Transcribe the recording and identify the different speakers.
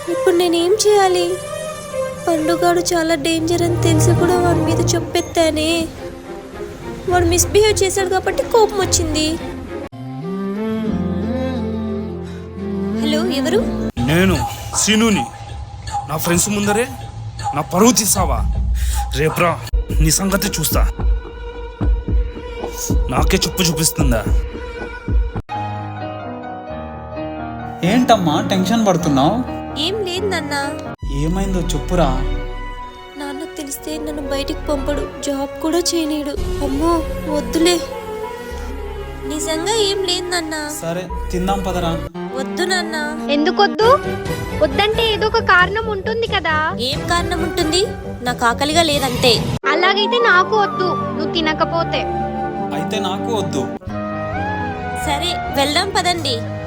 Speaker 1: ఇప్పుడు నేనేం చేయాలి? పండుగాడు చాలా డేంజర్ అని తెలిసి కూడా వాడి మీద చెప్పెత్తానే. వాడు మిస్బిహేవ్ చేశాడు కాబట్టి కోపం వచ్చింది. హలో, ఎవరు?
Speaker 2: నేను సీనుని. నా ఫ్రెండ్స్ ముందరే నా పరువు తీసావా? రేపురా నీ సంగతి చూస్తా. నాకే చెప్పు చూపిస్తుందా?
Speaker 3: ఏంటమ్మా టెన్షన్ పడుతున్నావు?
Speaker 1: ఏం లేదు నాన్న.
Speaker 3: ఏమైందో చెప్పురా.
Speaker 1: నాన్నకు తెలిస్తే నన్ను బయటికి పంపడు, జాబ్ కూడా చేయనీడు. అమ్మో వద్దులే. నిజంగా ఏం లేదు నాన్న.
Speaker 3: సరే తిందాం పదరా.
Speaker 1: వద్దు నాన్న.
Speaker 4: ఎందుకొద్దు? వద్దంటే ఏదో ఒక కారణం ఉంటుంది కదా.
Speaker 1: ఏం కారణం ఉంటుంది? నాకు ఆకలిగా లేదంతే.
Speaker 4: అలాగైతే నాకు వద్దు, నువ్వు తినకపోతే.
Speaker 3: అయితే నాకు వద్దు.
Speaker 1: సరే వెళ్దాం పదండి.